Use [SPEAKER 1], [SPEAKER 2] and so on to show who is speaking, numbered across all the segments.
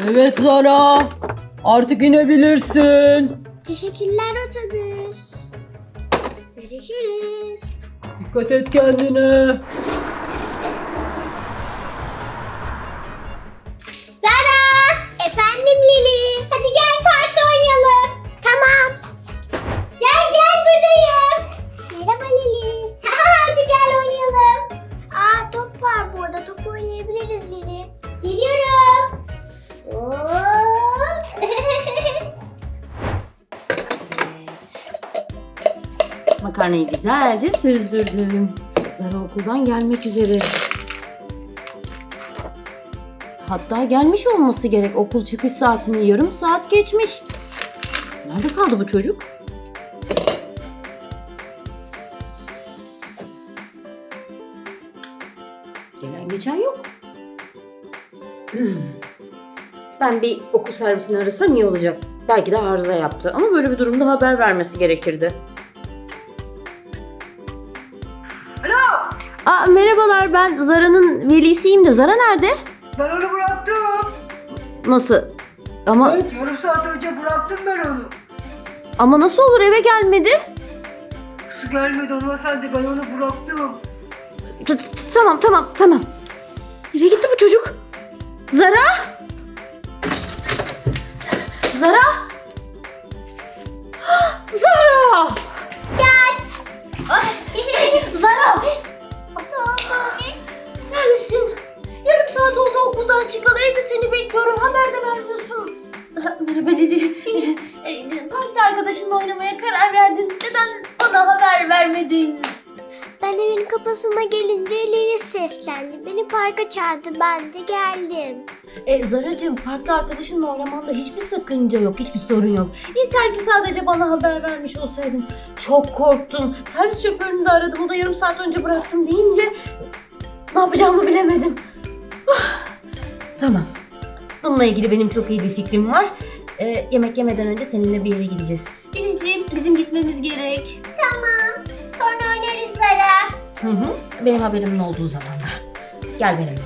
[SPEAKER 1] Evet Zara. Artık inebilirsin.
[SPEAKER 2] Teşekkürler otobüs. Görüşürüz.
[SPEAKER 1] Dikkat et kendine.
[SPEAKER 2] Zara! Efendim Lili. Hadi gel parkta oynayalım. Tamam. Gel buradayım. Merhaba Lili. Hadi gel oynayalım. Aa, top var burada. Top oynayabiliriz Lili. Geliyorum. Hop.
[SPEAKER 3] Makarnayı güzelce süzdürdüm. Zara okuldan gelmek üzere. Hatta gelmiş olması gerek. Okul çıkış saatini yarım saat geçmiş. Nerede kaldı bu çocuk? Gelen geçen yok. Ben bir okul servisini arasam iyi olacak. Belki de arıza yaptı ama böyle bir durumda haber vermesi gerekirdi. Aa, merhabalar, ben Zara'nın velisiyim de Zara nerede?
[SPEAKER 4] Ben onu bıraktım.
[SPEAKER 3] Nasıl? Ama
[SPEAKER 4] Evet, yarım saat önce bıraktım ben onu.
[SPEAKER 3] ama nasıl olur, eve gelmedi?
[SPEAKER 4] Su gelmedi hanımefendi, ben onu bıraktım.
[SPEAKER 3] Tamam. Nereye gitti bu çocuk? Zara? Zara? Zara! Zara! Neredesin? Yarım saat oldu okuldan çıkalı, evde seni bekliyorum, haber de vermiyorsun. Merhaba dedi. Parkta arkadaşınla oynamaya karar verdin. Neden bana haber vermedin?
[SPEAKER 2] Ben evin kapısına gelince Lili seslendi. Beni parka çağırdı. Ben de geldim.
[SPEAKER 3] Zaracığım, parkta arkadaşınla oynamanda hiçbir sakınca yok, hiçbir sorun yok. Yeter ki sadece bana haber vermiş olsaydın. Çok korktum. Servis şoförünü de aradım, o da yarım saat önce bıraktım deyince ne yapacağımı bilemedim. Tamam. Bununla ilgili benim çok iyi bir fikrim var. Yemek yemeden önce seninle bir yere gideceğiz. Denizciğim, bizim gitmemiz gerek.
[SPEAKER 2] Tamam. Sonra oynarız Zara.
[SPEAKER 3] Benim haberimin olduğu zaman da. Gel benimle.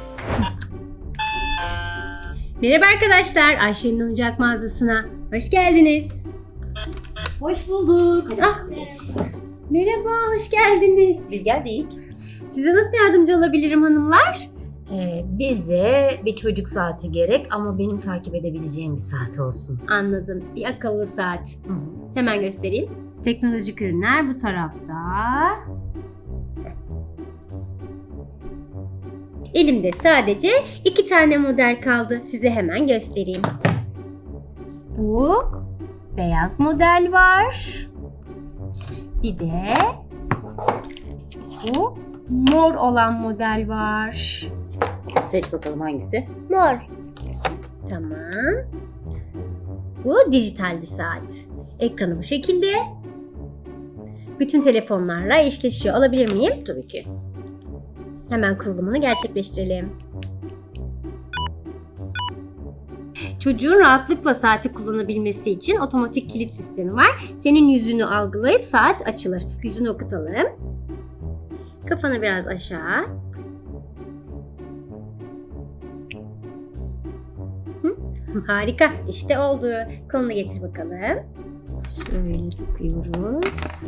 [SPEAKER 5] Merhaba arkadaşlar, Ayşe'nin oyuncak mağazasına hoş geldiniz.
[SPEAKER 3] Hoş bulduk.
[SPEAKER 5] Merhaba, hoş geldiniz.
[SPEAKER 3] Biz geldik.
[SPEAKER 5] Size nasıl yardımcı olabilirim hanımlar?
[SPEAKER 3] Bize bir çocuk saati gerek ama benim takip edebileceğim bir saat olsun.
[SPEAKER 5] Anladım, bir akıllı saat. Hemen göstereyim. Teknolojik ürünler bu tarafta. Elimde sadece 2 tane model kaldı. Size hemen göstereyim. Bu beyaz model var. Bir de bu mor olan model var.
[SPEAKER 3] Seç bakalım hangisi?
[SPEAKER 2] Mor.
[SPEAKER 5] Tamam. Bu dijital bir saat. Ekranı bu şekilde. Bütün telefonlarla eşleşiyor. Alabilir miyim?
[SPEAKER 3] Tabii ki.
[SPEAKER 5] Hemen kurulumunu gerçekleştirelim. Çocuğun rahatlıkla saati kullanabilmesi için otomatik kilit sistemi var. Senin yüzünü algılayıp saat açılır. Yüzünü okutalım. Kafanı biraz aşağı. Harika. İşte oldu. Kolunu getir bakalım. Şöyle takıyoruz.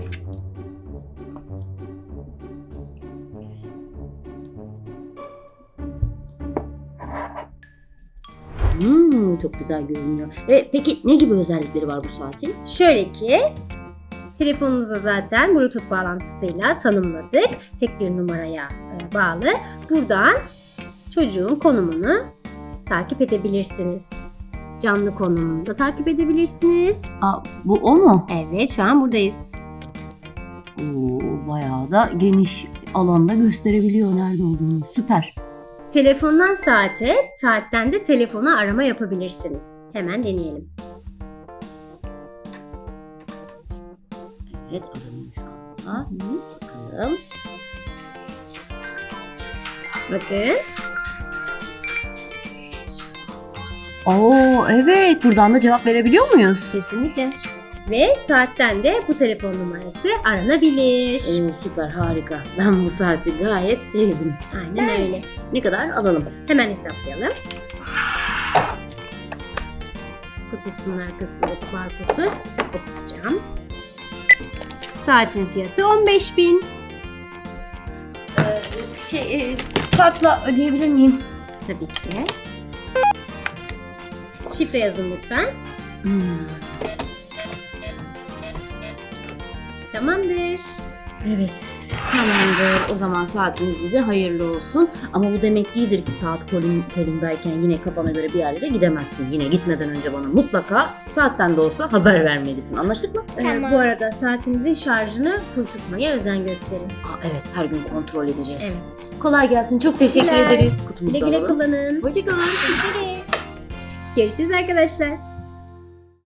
[SPEAKER 3] Çok güzel görünüyor. Peki ne gibi özellikleri var bu saatin?
[SPEAKER 5] Şöyle ki, telefonunuza zaten Bluetooth bağlantısıyla tanımladık. Tek bir numaraya bağlı. Buradan çocuğun konumunu takip edebilirsiniz. Canlı konumunu da takip edebilirsiniz.
[SPEAKER 3] Bu o mu?
[SPEAKER 5] Evet, şu an buradayız.
[SPEAKER 3] Bayağı da geniş alanda gösterebiliyor nerede olduğunu. Süper.
[SPEAKER 5] Telefondan saate, saatten de telefona arama yapabilirsiniz. Hemen deneyelim.
[SPEAKER 3] Evet, aranıyor şu anda. Bakalım.
[SPEAKER 5] Bakın.
[SPEAKER 3] Evet. Buradan da cevap verebiliyor muyuz?
[SPEAKER 5] Kesinlikle. Ve saatten de bu telefon numarası aranabilir.
[SPEAKER 3] Süper, harika. Ben bu saati gayet sevdim.
[SPEAKER 5] Aynen öyle.
[SPEAKER 3] Ne kadar alalım?
[SPEAKER 5] Hemen hesaplayalım. kutusunun arkasındaki barkodu okutacağım. Saatin fiyatı 15.000.
[SPEAKER 3] Kartla ödeyebilir miyim?
[SPEAKER 5] Tabii ki. Şifre yazın lütfen. Tamamdır.
[SPEAKER 3] Evet, tamamdır. O zaman saatimiz bize hayırlı olsun. Ama bu demek değildir ki saat kolundayken yine kafana göre bir yerlere gidemezsin. Yine gitmeden önce bana mutlaka saatten de olsa haber vermelisin. Anlaştık mı?
[SPEAKER 2] Tamam.
[SPEAKER 5] Bu arada saatinizin şarjını full tutmaya özen gösterin.
[SPEAKER 3] Evet, her gün kontrol edeceğiz.
[SPEAKER 5] Evet.
[SPEAKER 3] Kolay gelsin. Çok teşekkür
[SPEAKER 5] Güle
[SPEAKER 3] ederiz. Kutumuzu
[SPEAKER 5] Güle
[SPEAKER 3] da
[SPEAKER 5] güle
[SPEAKER 3] alalım.
[SPEAKER 5] kullanın.
[SPEAKER 3] Hoşçakalın.
[SPEAKER 5] Görüşürüz arkadaşlar.